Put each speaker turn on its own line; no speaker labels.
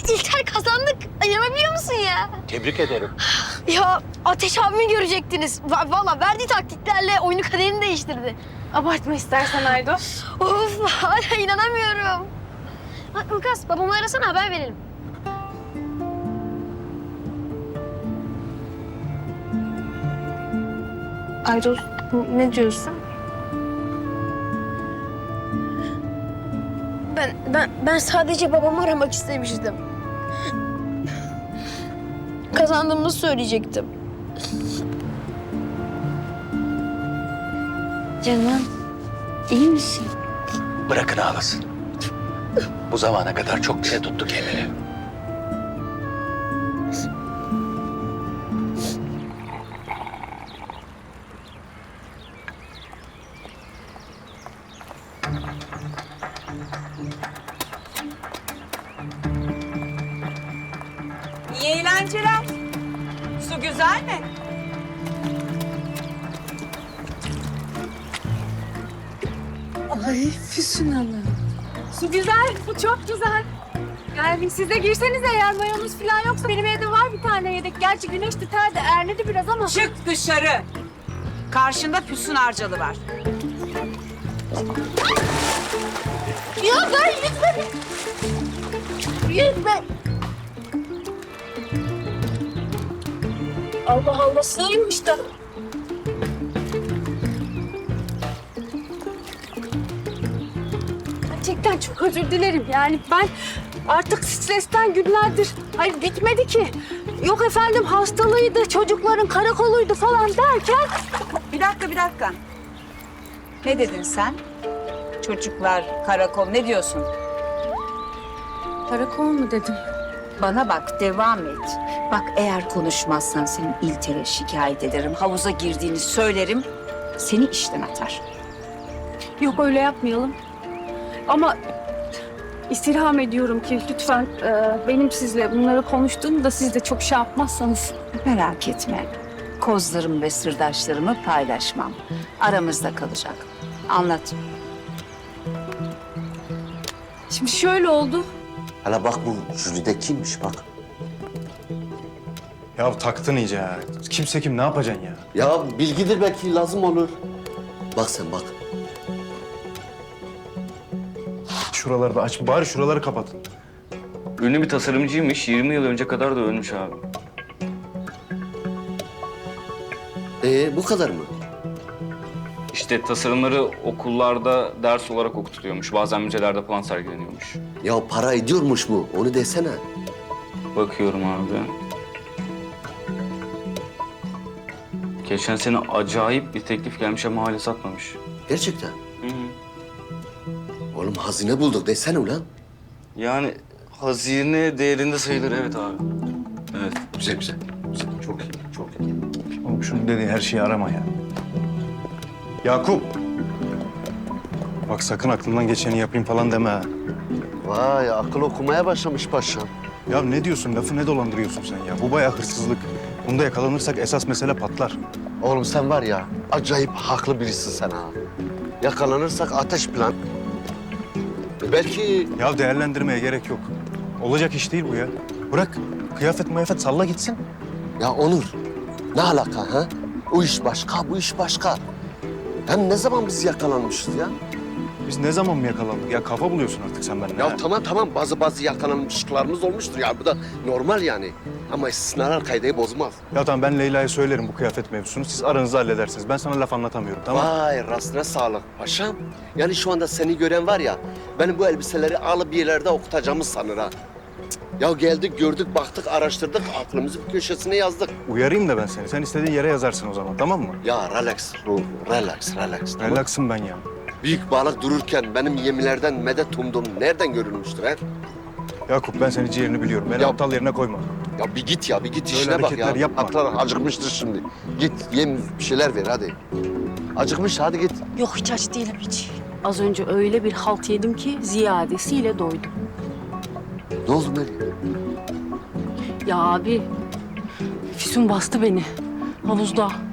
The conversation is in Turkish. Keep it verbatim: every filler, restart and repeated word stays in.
İlter kazandık. İnanabiliyor musun ya?
Tebrik ederim.
Ya Ateş abimi görecektiniz. Va- Vallahi verdiği taktiklerle oyunu kaderini değiştirdi.
Abartma istersen Aydos.
Of hala inanamıyorum. Ha, Ilgaz babamı arasana haber verelim.
Aydos ne diyorsun?
Ben, ben, ben sadece babamı aramak istemiştim. Kazandığımı söyleyecektim.
Canım, iyi misin?
Bırakın ağlasın. Bu zamana kadar çok dile tuttu kendini.
İyi eğlenceler. Su güzel mi?
Ay Füsun Hanım.
Su güzel, su çok güzel.
Yani siz de girsenize eğer mayonuz falan yoksa benim evde var bir tane yedek. Gerçi güneş tutar da ernedi biraz ama.
Çık dışarı. Karşında Füsun Arcalı var.
Ya ben yüzme... Yüzme... Allah Allah sığıymış da.
Gerçekten çok özür dilerim. Yani ben artık stresten günlerdir... Hayır bitmedi ki. Yok efendim hastalığıydı, çocukların karakoluydu falan derken...
Bir dakika, bir dakika. Ne dedin sen? Çocuklar, karakol, ne diyorsun?
Karakol mu dedim?
Bana bak, devam et. Bak eğer konuşmazsan seni İlter'e şikayet ederim. Havuza girdiğini söylerim. Seni işten atar.
Yok öyle yapmayalım. Ama istirham ediyorum ki lütfen e, benim sizle bunları konuştuğumda siz de çok şey yapmazsanız.
Merak etme. Kozlarımı ve sırdaşlarımı paylaşmam. Aramızda kalacak. Anlat.
Şimdi şöyle oldu.
Hala bak bu jüride kimmiş bak.
Ya taktın iyice ya. Kimse kim ne yapacaksın ya?
Ya bilgidir belki lazım olur. Bak sen bak.
Şuraları da aç. Bari şuraları kapatın.
Ünlü bir tasarımcıymış. yirmi yıl önce kadar da ölmüş abi.
Ee bu kadar mı?
İşte tasarımları okullarda ders olarak okutuluyormuş. Bazen müzelerde falan sergileniyormuş.
Ya para ediyormuş mu? Onu desene.
Bakıyorum abi. Geçen sene acayip bir teklif gelmiş ama hala satmamış.
Gerçekten.
Hı hı.
Oğlum hazine bulduk desene ulan.
Yani hazine değerinde sayılır evet abi. Evet.
Güzel güzel. Güzel. Çok iyi. Çok iyi.
Oğlum şunun dediği her şeyi arama ya. Yakup. Bak sakın aklından geçeni yapayım falan deme ha.
Vay akıl okumaya başlamış paşam.
Ya ne diyorsun? Lafı ne dolandırıyorsun sen ya? Bu bayağı hırsızlık. Bunda yakalanırsak esas mesele patlar.
Oğlum sen var ya acayip haklı birisin sen ha. Yakalanırsak ateş plan. Belki
Ya değerlendirmeye gerek yok. Olacak iş değil bu ya. Bırak. Kıyafet mıyafet salla gitsin.
ya Onur ne alaka ha? O iş başka, bu iş başka. Hem ne zaman biz yakalanmışız ya?
Biz ne zaman mı yakalandık? Ya kafa buluyorsun artık sen benimle.
Ya
ha.
tamam tamam bazı bazı yakalanmışlıklarımız olmuştur ya. Bu da normal yani. Ama istisnalar kaideyi bozmaz.
Ya tamam ben Leyla'ya söylerim bu kıyafet mevzusunu. Siz aranızda halledersiniz. Ben sana laf anlatamıyorum tamam mı?
Vay rastına sağlık paşam. Yani şu anda seni gören var ya, benim bu elbiseleri alıp bir yerlerde okutacağımız sanır ha. Cık, ya geldik, gördük, baktık, araştırdık, aklımızı bir köşesine yazdık.
Uyarayım da ben seni. Sen istediğin yere yazarsın o zaman tamam mı?
Ya relax, ruh, relax, relax. Tamam.
Relaxım ben ya.
Büyük balık dururken benim yemilerden medet umduğum nereden görülmüştür ha?
Yakup ben senin ciğerini biliyorum. Beni
Ya-
aptal yerine koyma.
Ya bir git ya, bir git
Öyle
işine bak
hareketler
ya.
yapma.
Atlar acıkmıştır şimdi. Git, yem bir şeyler ver hadi. Acıkmış, hadi git.
Yok hiç aç değilim hiç. Az önce öyle bir halt yedim ki ziyadesiyle doydum.
Ne oldu Meryem?
Ya abi, Füsun bastı beni havuzda.